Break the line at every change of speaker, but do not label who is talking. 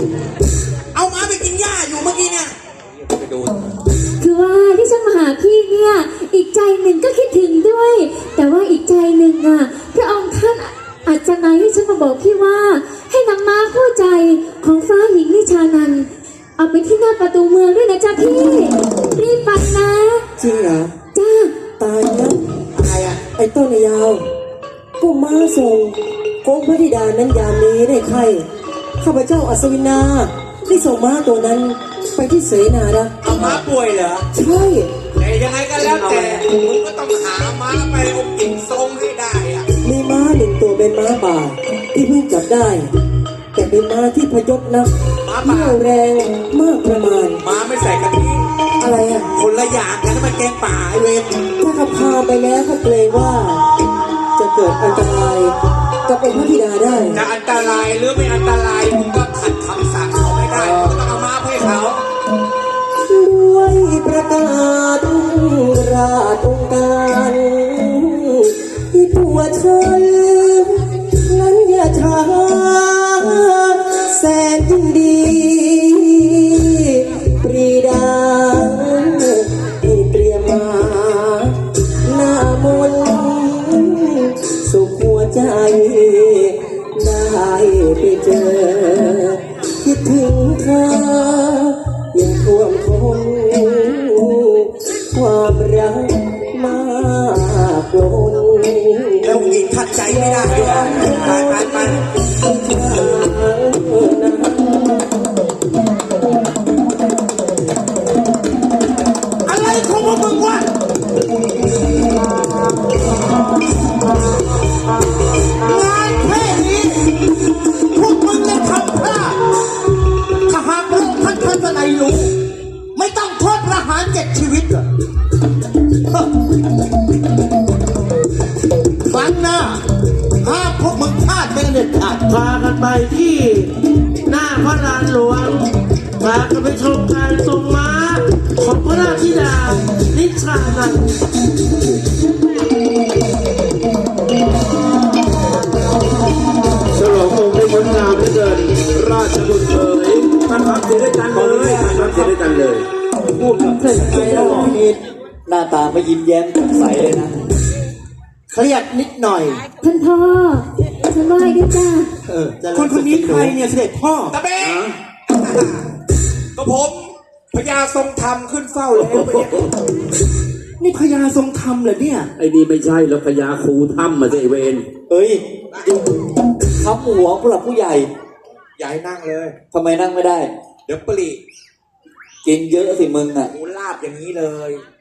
เอาม้าไปกินหญ้าอยู่เมื่อกี้เนี่ยไปดู
คือว่าที่ฉันมาหาพี่เนี่ยอีกใจหนึ่งก็คิดถึงด้วย แต่ว่าอีกใจหนึ่งอ่ะพระองค์ท่านอาจจะมาให้ฉันมาบอกพี่ว่าให้นำม้าคู่ใจของฟ้าหญิงนิชานันท์เอาไปที่หน้าประตูเมืองด้วยนะจ๊ะพี่รีบไปนะ
จริงเหรอ
จ้า
ตายแล้ว
อะไรอ่ะ
ไอ้ต้นยาวก็ม้าส่งโค้งพระธิดานั้นยามนี้ได้ใครข้าพเจ้าอัศวินาได้ส่งม้าตัวนั้นไปที่เสนานะ
เอาม้าป่วยเหรอ
ใช่
แต่ยังไงก็แล้วแต่มึงก็ต้องหาม้าไปองค์หญิงทรงให้ได้อ่ะ
มีม้าหนึ่งตัวเป็นม้าป่าที่เพิ่งจับได้ แต่เป็นม้าที่พยศนัก
ม้าป่า
เที่ยวแรงมากประมาณ
ม้าไม่ใส่กะทิ
อะไรอ่ะ
คนละอย่างกันมันแกงป่าไอเวร
ถ้าเขาพาไปแล้วเขาเกรงว่า จะเกิดอันตรายกับองค์พระธิดาได้
จะอันตรายหรือไม่อันตรายมึงก็ขัดคำสั่งเขาไม่ได้มึงก็ต้องเอาม้าให้เขา
ด้วยประกาศราชองค์การที่ตัวฉันนั้นอย่าช้าแสนยิ่งดีปรีดาที่เตรียมมาหน้ามนต์สุขหัวใจได้ไปเจอคิดถึงเธอยังท่วมท้นความรักมากล้น
แล้วหญิงขัดใจไม่ได้ด้วยไปไปไปอะไรของพวกมึงวะงานแค่นี้พวกมึงเลยทำพลาดถ้าหากพระองค์ท่านท่านอะไรรู้ไม่ต้องโทษประหาร7 ชีวิตเหรอครั้งหน้าห้ามพวกมึงพลาดเป็นเด็ดขาด
พากันไปที่หน้าพระลานหลวงพากันไปชมการทรงม้าของพระราชธิดานิชานันท์ฉลององค์ได้งดงามเหลือเกินราชบุตรเอ๋ยท่านพักเสียด้วยกันเลยท่านพักเสียด้วยกันเลย
พูดกับเพื่อนไปแล้วนิดหน้าตาไม่ยิ้มแย้มแจ่มใสเลยนะเครียดนิดหน่อย
ท่านพ่อฉันไหว้ด้วยจ้า
คนคนนี้ใครเนี่ยเสด็จพ่อตะเบงก็ผมพญาทรงธรรมขึ้นเฝ้าแล้วนี่พญาทรงธรรมเหรอเนี่ย
ไอ้นี่ไม่ใช่แล้วพญาครูถ้ำมาสิไอ้เวน
เฮ้ยทับหัวผู้หลักผู้ใหญ่
อย่าให้นั่งเลย
ทำไมนั่งไม่ได้
เดี๋ยวปลี
กินเยอะสิมึงอ่ะ
หมูลาบอย่างนี้เลย